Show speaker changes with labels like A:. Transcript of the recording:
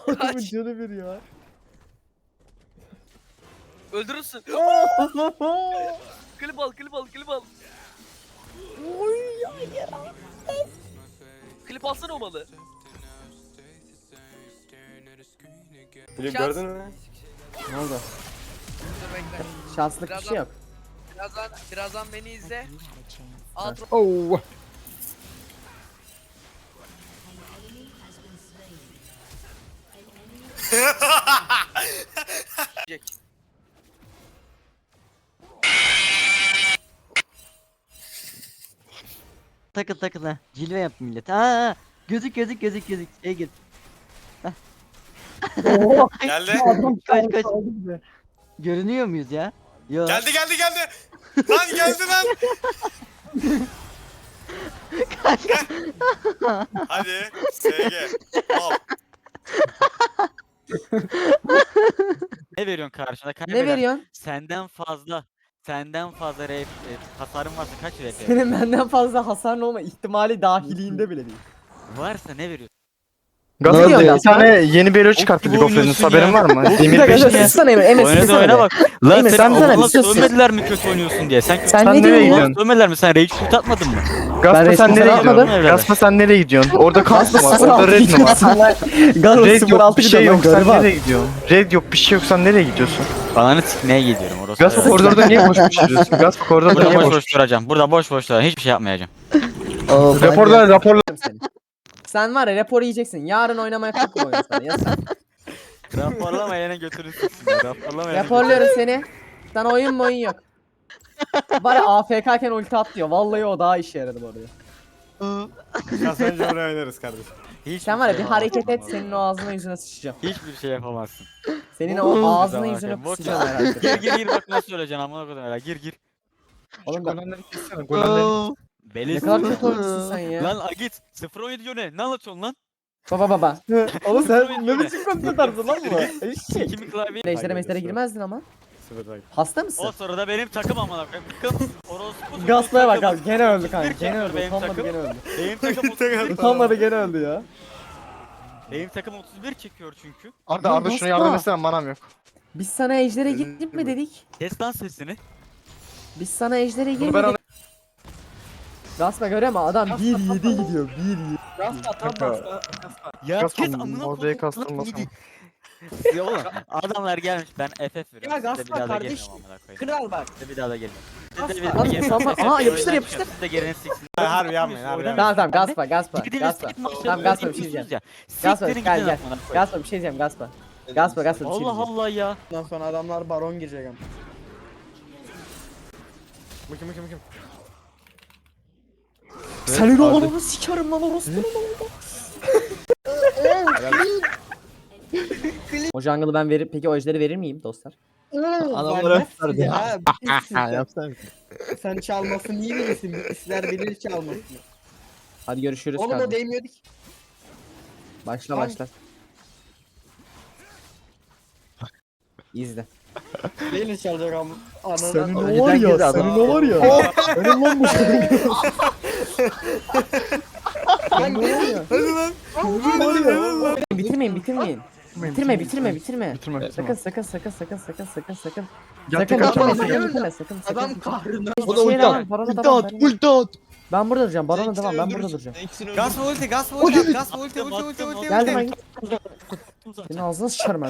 A: Adamın
B: Kaç.
A: canı bir ya.
B: Öldürürsün. Klip al, klip al, klip al.
A: Oy hayır.
B: Klip alsana o malı.
C: Filip
B: Şans.
C: gördün mü?
A: Ne oldu?
B: Dur bekle.
A: Şanslık bir şey yok.
B: Birazdan beni izle. Alt
A: Oh.
B: Jack.
D: Takıl takıl ha. Cilve yap millet. Aa, gözük. Şey git.
C: Geldi.
D: Kaç. Görünüyor muyuz ya? Yok.
C: Geldi. Lan geldi lan. Hadi. SG. Al.
E: Ne veriyorsun karşına?
A: Ne
E: Kaybeder.
A: veriyorsun?
E: Senden fazla hasarın varsa kaç RP?
A: Senin benden fazla hasarın olma ihtimali dahiliğinde bile değil.
E: Varsa ne veriyorsun?
A: Ne diyorsun
F: Gazete
A: lan
F: bir tane yeni bir hero çıkarttı
E: gibi
F: League of Legends,
E: oynuyorsun
F: haberin
E: ya.
F: var mı? Demir
A: Bir dakika
F: 5 diye.
A: sussana Emre.
E: Oynadı
A: Sussana
E: oyuna
A: be.
E: bak.
A: Emre,
E: Lan
A: sen
E: sen
A: sana bir
E: Allah
A: sus.
E: sövmediler mi kötü oynuyorsun diye? Sen
A: Sen ne
F: nereye
A: diyorsun
F: gidiyorsun?
A: lan?
E: sövmediler mi? Sen rage shoot atmadın mı?
F: Gaspa
A: resmi
F: sen
A: sana
F: nereye
A: atmadım.
F: gidiyorsun? Gaspa sen nereye gidiyorsun? Orada
A: Kasma
F: Kaspa var, orada Red mi var?
A: Galo
F: Red yok,
A: 06
F: bir şey yok, sen
A: galiba.
F: nereye gidiyorsun? Red yok, bir şey yok, sen nereye gidiyorsun?
E: Ananı sikmeye gidiyorum orası.
F: Gaspa koridorda niye boş boş yürüyorsun? Gaspa koridorda
E: Burada
F: niye
E: boş
F: boş
E: boş duracağım. Burada boş duracağım. Hiçbir şey yapmayacağım.
F: Raporlar.
A: Sen var ya rapor yiyeceksin. Yarın oynamaya kalkma oyun sana. Ya sen.
E: Raporlama yine götürürsün. Raporlama
A: Raporluyorum seni. Sana oyun yok. Var ya AFK'ken ulti at diyor. Vallahi o daha işe yaradı bu arada.
C: Kasınca oraya oynarız kardeşim.
A: Sen var ya bir hareket et senin o ağzına yüzüne sıçacağım.
E: Hiçbir şey yapamazsın.
A: Senin o ağzına
E: Zaman
A: yüzüne
E: bakayım,
A: kusacağım
E: bak.
A: herhalde.
E: Gir bak nasıl öleceksin amına koyayım hele. Gir.
A: Oğlum ben
F: Golemleri kessene, golemleri.
E: Beliz.
A: ne kadar kötü oyuncusun sen ya.
E: Lan Agit 0-17 diyor ne? Ne anlatıyorsun lan?
A: Baba. Oğlum
E: sen ne
A: biçim konuşma tarzı lan bu? Eşek.
E: Kimin klavyeyi?
A: Ejder'e meslere girmezdin ama.
C: Sıfır takip.
A: Hasta mısın?
E: O sırada benim takım amına koyayım. Kız orospu.
A: Gaspaya bak abi gene öldü kanka.
E: Bir
A: Gene öldü.
E: benim
A: Utanmadı
E: takım.
A: gene öldü.
E: Benim takım 31.
A: Utanmadı gene öldü ya.
E: Benim takım 31 çekiyor çünkü.
F: Arda şunu yardım etsene, manam yok.
A: Biz sana Ejder'e gittik mi dedik?
E: Kes lan sesini.
A: Biz sana Ejder'e
F: Bunu ben
A: girmedik. Gaspa görüyor musun? Adam 1-7 gidiyor. 1-7.
E: Ya
F: Gaspa
E: kes amına
F: oraya
E: koyayım.
F: kastırmasın.
E: Ya oğlum adamlar gelmiş ben FF veriyorum.
G: Ya
E: Size
G: Gaspa
E: bir daha da
G: kardeş,
E: gelmem amına koyayım.
G: Kral bak.
E: Size bir daha da gelmem.
A: Lan Mustafa- Aha, yapıştır.
E: Siz de gelin siksin.
C: Harbi yapmayın, harbi yapmayın.
A: Tamam Gaspa.
E: Gidiniz
A: Gaspa.
E: git maçlarına
A: Tamam Gaspa bir şey
E: gidiyorsunuz
A: diyeceğim.
E: ya.
A: Gaspa
E: Siktirin
A: gel
E: gidin
A: gel.
E: amına koyayım.
A: Gaspa bir şey diyeceğim Gaspa. Gaspa bir şey
E: Allah
A: diyeceğim.
E: Allah ya.
G: Ondan sonra adamlar baron girecek ama.
C: Bakayım.
A: Senin oğlunu sikerim lan orospunun oğlu. O jungle'ı ben verir. Peki o ejderi verir miyim dostlar?
G: Adamlara ya. Bilirsin sen. Sen çalmasını iyi bilirsin. Bizler bilir çalmasını.
A: Hadi görüşürüz
G: Oğlum o
A: kardeşim.
G: değmiyordu ki.
A: Başla
G: Hangi-
A: başla. İzle.
G: Neyle çalacak ama? Ananı.
A: Senin
E: o var ya, senin o
A: var ya. Benim lan bu Bitirmeyin. Bitirme.
F: Bitirme.
A: Sakın.
F: Gel
A: Sakın
F: tek atacağım.
A: sakın.
G: Adam kahrına.
A: Hiçbir şey yapamam. Barona devam. Ben burada duracağım. Barona devam. Ben burada duracağım.
C: Gaspa ulti.
A: Geldim ben. Senin ağzına sıçarım ben.